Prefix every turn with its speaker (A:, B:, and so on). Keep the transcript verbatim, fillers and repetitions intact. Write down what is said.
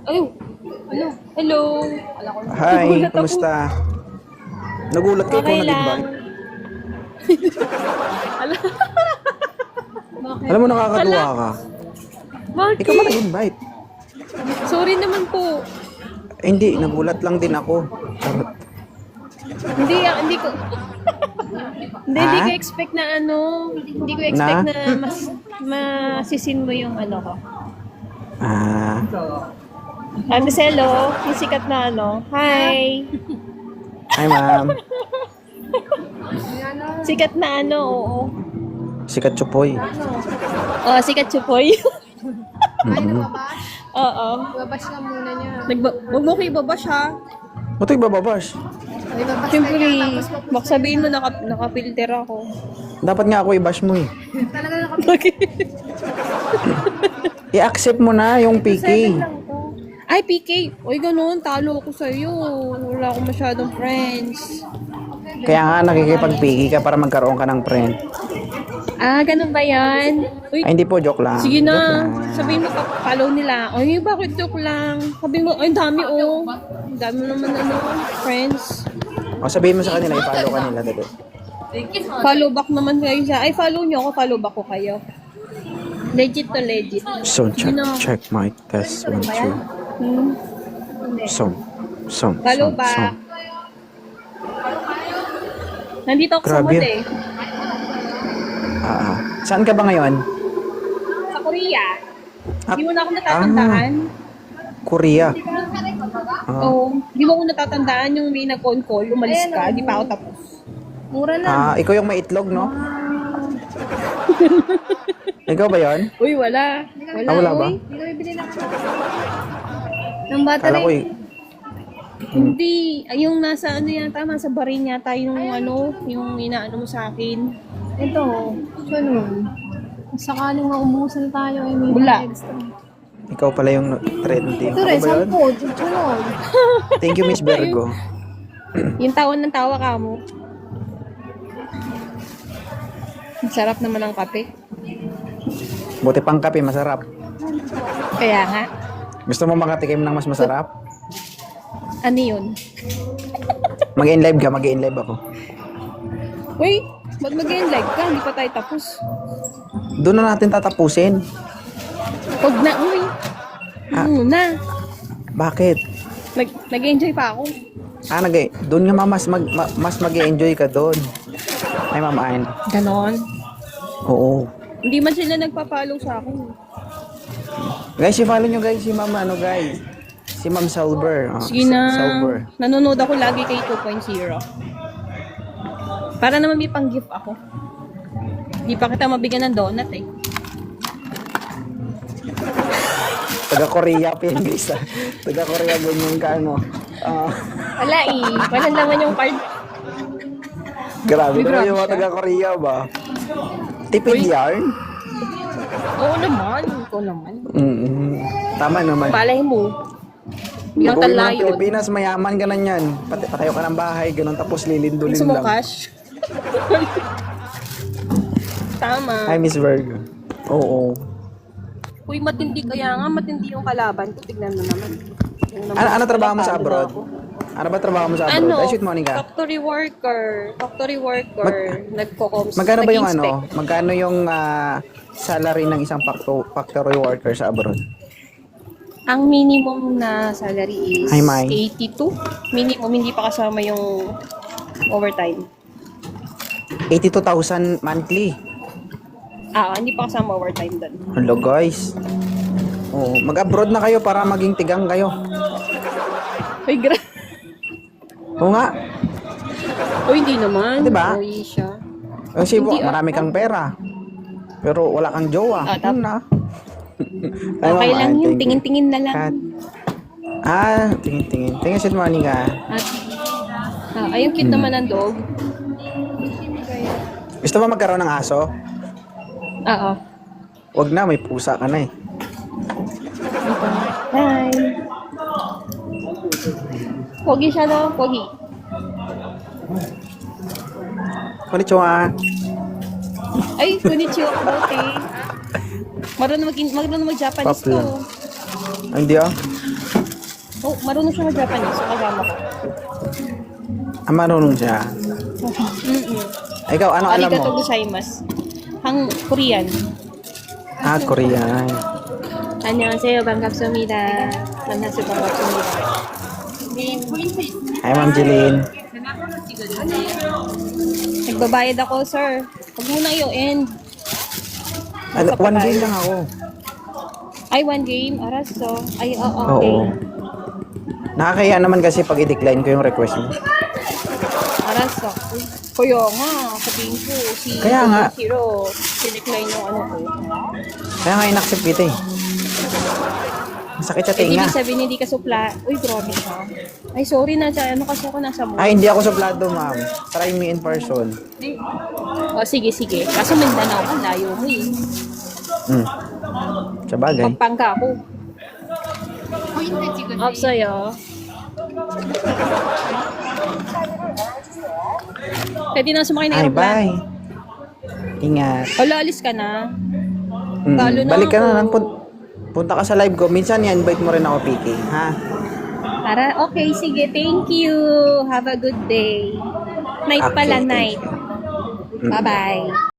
A: Ay, ano? Hello. Ala ko.
B: Hi,
A: Nagulat ako.
B: kumusta? Nagulat ka, ikaw
A: Okay lang.
B: nag-invite.
A: Ala. Bakit?
B: Alam mo, nakakatuwa ka.
A: Bakit?
B: Ikaw ba nag-invite?
A: Sorry naman po.
B: Eh, hindi, nagulat lang din ako. Charot.
A: Hindi, ah, hindi ko... hindi, hindi
B: Ha?
A: ko expect na ano, hindi ko expect na,
B: Na?
A: mas, masisin mo yung ano ko.
B: Ah,
A: Ah, Miss Hello, yung sikat na ano. Hi!
B: hi ma'am.
A: Sikat na ano, oo.
B: Sikat Chupoy.
A: Oh, sikat chupoy.
B: Mm-hmm.
A: Oo.
C: Babash ka muna niya.
A: Nagba Huwag mo ko ibabash ha.
B: Ba't ibababash?
C: Ay, babash
A: Siyempre,
C: ka niya. Tapos
A: baka sabihin mo naka, naka-filter ako.
B: Dapat nga ako i-bash mo eh.
C: talaga nakapit.
B: I-accept mo na yung P K.
A: Ay, P K. Uy, ganun. Talo ako sa'yo. Wala akong masyadong friends.
B: Kaya nga nakikipag-P K ka para magkaroon ka ng friend.
A: Ah, ganun ba yan? Uy,
B: Ay, hindi po, joke lang.
A: sige
B: Joke
A: na.
B: lang.
A: Sabihin mo, pa- follow nila. Ay, bakit joke lang? Sabihin mo, ay, dami oh. Ang dami naman ano, friends.
B: O, sabihin mo sa kanila, i-follow ka nila. Dito.
A: Follow back naman kayo sa... Ay, follow nyo ako, follow back ko kayo. Legit to legit.
B: So, check,
A: Sino?
B: check my test. One, two.
A: Hmm.
B: So, so,
A: Follow
B: so,
A: back. Nandito ako sa
B: Grabe.
A: mall eh.
B: Ah, ah. Saan ka ba ngayon?
A: Sa Korea.
B: Ah,
A: Di mo na ako natatandaan.
B: Korea. Ah,
A: Oo. Di mo ako natatandaan yung may nag-on call, umalis ka, di pa ako tapos.
C: Mura na.
B: ah, ikaw yung may itlog, no? Ikaw ba yon?
A: Uy, wala. Wala,
B: Ah, wala ba?
A: uy.
C: Hindi ko bibili ng ng bata
B: Kala ko
C: rin.
B: eh.
A: Hindi. Ay, yung nasa ano yata, nasa barin yata yung ano, yung inaano mo sa akin.
C: Ito. Sunod. Sakaling maubusan tayo ay may
A: Wala.
C: extra.
B: Ikaw pala yung trending.
C: Ito
B: Ako
C: rin,
B: ba yun?
C: sampo. Sunod.
B: Thank you, Miss Virgo.
A: Yung tawan ng tawa ka mo. Ang sarap naman ng kape.
B: Buti pang kape, masarap.
A: Kaya nga.
B: Gusto mo makatikim ng mas masarap?
A: Ano yun?
B: Mag-in-live ka, mag-in-live ako.
A: Uy, ba't mag-live ka? Hindi pa tayo tapos.
B: Doon na natin tatapusin.
A: Huwag na, uy.
B: Ah.
A: Ano na?
B: Bakit?
A: Nag, nag-enjoy pa ako.
B: Ah, nag doon nga ma- mas mag ma- mas mag-enjoy ka doon. Ay, Mama Ann.
A: Ganon.
B: Oo.
A: Hindi man sila nagpa-follow sa akin.
B: Guys, i-follow nyo guys si Mama, ano guys? Si Ma'am Salber. Oh,
A: Sige
B: Sa-
A: na.
B: Salber.
A: Nanonood ako lagi kay two point oh. Para naman may pang-gift ako. Di pa kita mabigyan ng donut eh.
B: Taga-Korea pa yan guys. ah. Taga-Korea ganyan ka, ano. Ah,
A: Wala eh. Wala naman yung card.
B: grabe
A: Uy,
B: naman
A: grabe
B: yung mga
A: siya.
B: taga-Korea ba? Tipid
A: Uy.
B: yarn?
A: Oo naman. Ikaw naman.
B: Mm-mm. Tama naman.
A: Palay mo. Yung
B: Pag uwi mo ng
A: talayon.
B: Pilipinas, mayaman ka na yan. Pati patayo ka ng bahay, ganun, tapos lilindulin
A: Gusto mo
B: lang.
A: cash? Tama.
B: Hi, Miss Virgo. Oo.
A: Uy, matindi kaya nga. Matindi yung kalaban ko. Tignan mo naman. Yung naman-
B: Ano, ano trabaho mo sa
A: Natalo
B: abroad?
A: na ako.
B: Ano ba trabaho mo sa abroad?
A: Ano?
B: Ay, shoot, Monica.
A: Factory worker. Factory worker. Nagko-coms.
B: Magkano ba yung
A: nag-inspect.
B: ano? Magkano yung ah, salary ng isang facto- factory worker sa abroad?
A: Ang minimum na salary is
B: Hi, Mai.
A: eighty-two. Minimum, hindi pa kasama yung overtime.
B: eighty-two thousand monthly.
A: Ah, hindi pa kasama overtime doon.
B: Hello guys. Oh, mag-abroad na kayo para maging tigang kayo.
A: Uy, gra...
B: Oo nga.
A: Uy, hindi naman.
B: Diba?
A: Uy, siya.
B: Kasi
A: Hindi, ah.
B: marami kang pera. Pero wala kang jowa.
A: Ah, tap-
B: Yun na.
A: Okay
B: Ay, Mama
A: lang
B: Ann,
A: yun.
B: thank you.
A: Tingin-tingin na lang.
B: Kat. Ah, tingin-tingin. Tingin si Monica.
A: At, ah, ayun, cute
B: Hmm.
A: naman ng dog.
B: Gusto mo magkaroon ng aso?
A: Oo.
B: Wag na, may pusa ka na eh.
A: Hi. Pogi siya no? Pogi.
B: Konnichiwa.
A: Ay, konnichiwa ko dati. Marunong mag marunong mag-Japanese
B: Pop lang.
A: to.
B: Ay, hindi ah.
A: Oh, marunong siya mag-Japanese. So, kasama ko.
B: Ah, marunong siya.
A: Mm-mm.
B: Ikaw, ano alam
A: Arigato
B: mo?
A: gozaimasu. Hang Korean.
B: Ah, Korean.
A: 안녕하세요. 반갑습니다. 만나서 반갑습니다.
B: Hi, Ma'am Jeline.
A: Nagbabayad ako, sir. Huwag mo na i-end.
B: Ano, one game lang ako.
A: Ay, one game. Araso. Ay, oo, okay.
B: Oo. Nakakaya naman kasi pag i-decline ko yung request mo.
A: Araso. Uy, Kuya nga, sabihin ko, si
B: Kaya nga.
A: Hero, sinecline yung ano ko.
B: Kaya nga in-accept kita eh. Masakit sa
A: Eh,
B: tinga.
A: ibig sabihin, hindi ka supla. Uy, grabe siya. Ay, sorry na siya. Ano kasi ako nasa mo.
B: Ay, hindi ako suplado, ma'am. Try me in person.
A: O, sige, sige. Kaso Mindanao ka, layo mo eh.
B: Hmm. Sa bagay.
A: Pampanga ako. Up sa'yo. Pwede na sumakay na
B: Ay,
A: aeroplano.
B: bye. Ingat.
A: Wala, alis ka na.
B: Mm.
A: Talo na
B: Balik ka na
A: ako.
B: lang. Pun- punta ka sa live ko. Minsan i-invite mo rin ako, P K. Ha?
A: Para, okay, sige. Thank you. Have a good day. Night
B: Okay,
A: pala,
B: thank
A: night.
B: Mm.
A: Bye-bye.